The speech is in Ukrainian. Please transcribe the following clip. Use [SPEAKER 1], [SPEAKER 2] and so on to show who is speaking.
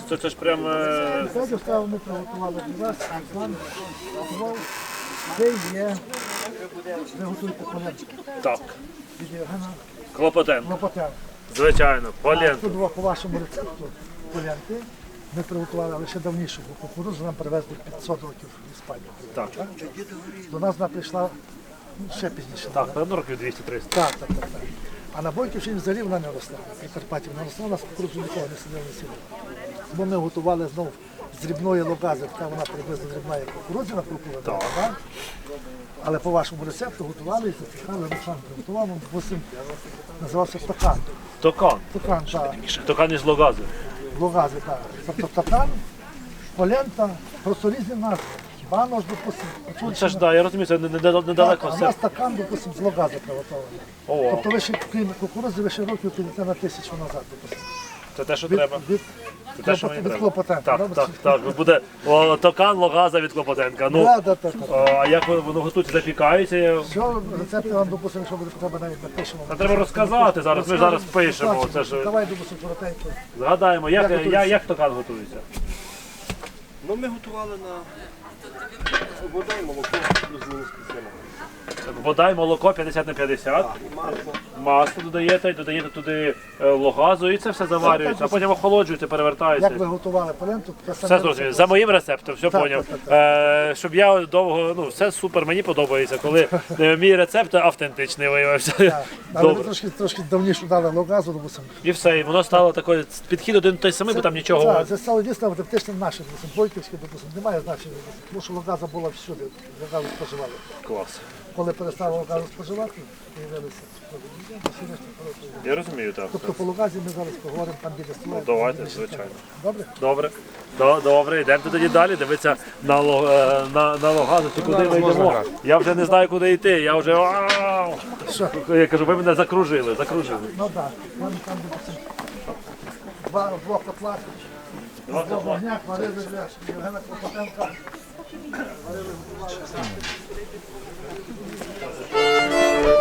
[SPEAKER 1] це ж прям...
[SPEAKER 2] Сьогодні став, ми приготували для вас, Руслан готував. Це є, ви готуєте полянки.
[SPEAKER 1] Так.
[SPEAKER 2] Від Євгена
[SPEAKER 1] Клопотенко.
[SPEAKER 2] Клопотенка.
[SPEAKER 1] Звичайно,
[SPEAKER 2] А
[SPEAKER 1] полєнко.
[SPEAKER 2] тут по вашому рецепту полянки ми приготували, але ще давніше, бо кукурудзу нам привезли 500 років в Іспанію.
[SPEAKER 1] Так.
[SPEAKER 2] До нас вона прийшла ще пізніше.
[SPEAKER 1] Так, напевно, років 200-300.
[SPEAKER 2] Так. А на Бойківщині взагалі вона не росла. На Прикарпатті вона росла, у нас кукурудзу нікого не сиділи, не сіли. Бо ми готували знову з дрібної логази, така вона приблизно дрібна, як кукурудзяна прокурена. Так. Але по вашому рецепту готували і запікали, Руслан приготував, допустим, називався токан.
[SPEAKER 1] Токан.
[SPEAKER 2] Токан, так.
[SPEAKER 1] Токан із логази.
[SPEAKER 2] Логази, так. Тобто токан, полента, просто різні назви. Банош, допустим.
[SPEAKER 1] Це ж, так, я розумію, це недалеко.
[SPEAKER 2] А у нас токан, допустим, з логази приготований.
[SPEAKER 1] О,
[SPEAKER 2] Тобто ви ще, крім кукурудзи, ви ще років підете на 1000 назад, допустим.
[SPEAKER 1] це те, що треба. Це те, що мені
[SPEAKER 2] Від
[SPEAKER 1] треба.
[SPEAKER 2] Клопотенка.
[SPEAKER 1] Так. Буде токан, логаза від Клопотенка. Ну,
[SPEAKER 2] Так.
[SPEAKER 1] а як воно готується, запікається?
[SPEAKER 2] Все, рецепти вам, допустимо, якщо буде треба, навіть напишемо.
[SPEAKER 1] Та треба розказати зараз, ми зараз пишемо. Це ж,
[SPEAKER 2] Давай, допустимо, коротенько.
[SPEAKER 1] згадаємо, як токан готується.
[SPEAKER 3] Ну, ми готували на вода і молоко плюс-мінус підсилено.
[SPEAKER 1] Вода і молоко 50 на 50. Масло додаєте туди логазу і це все заварюється, а потім охолоджується, перевертається.
[SPEAKER 2] Як ви готували поленту, те
[SPEAKER 1] Все
[SPEAKER 2] саме.
[SPEAKER 1] зрозуміло. За моїм рецептом, все
[SPEAKER 2] Так,
[SPEAKER 1] поняв.
[SPEAKER 2] так.
[SPEAKER 1] Щоб я довго, все супер, мені подобається, коли мій рецепт автентичний виявився.
[SPEAKER 2] Так. Але ви
[SPEAKER 1] Добре.
[SPEAKER 2] трошки давніше дали логазу, допустимо.
[SPEAKER 1] І все, і воно стало такою, підхід один той самий, бо там нічого.
[SPEAKER 2] Так, це стало дійсно автентично наше, допустимо, бойківське, допустимо, немає значення, тому що логаза була всюди, логазу споживали.
[SPEAKER 1] Клас.
[SPEAKER 2] Коли перестали логазу споживати, з'явилися всі решта хороші.
[SPEAKER 1] Я розумію, так.
[SPEAKER 2] Тобто по логазі ми зараз поговоримо там біля стола.
[SPEAKER 1] Давайте, звичайно.
[SPEAKER 2] Добре?
[SPEAKER 1] Добре, йдемо тоді далі, дивитися на логазу, чи куди ми йдемо. Я вже не знаю, куди йти, я вже... Я кажу, ви мене закружили.
[SPEAKER 2] Ну так, там допустимо, два котла, два вогня, варили для Євгена Клопотенка. Варили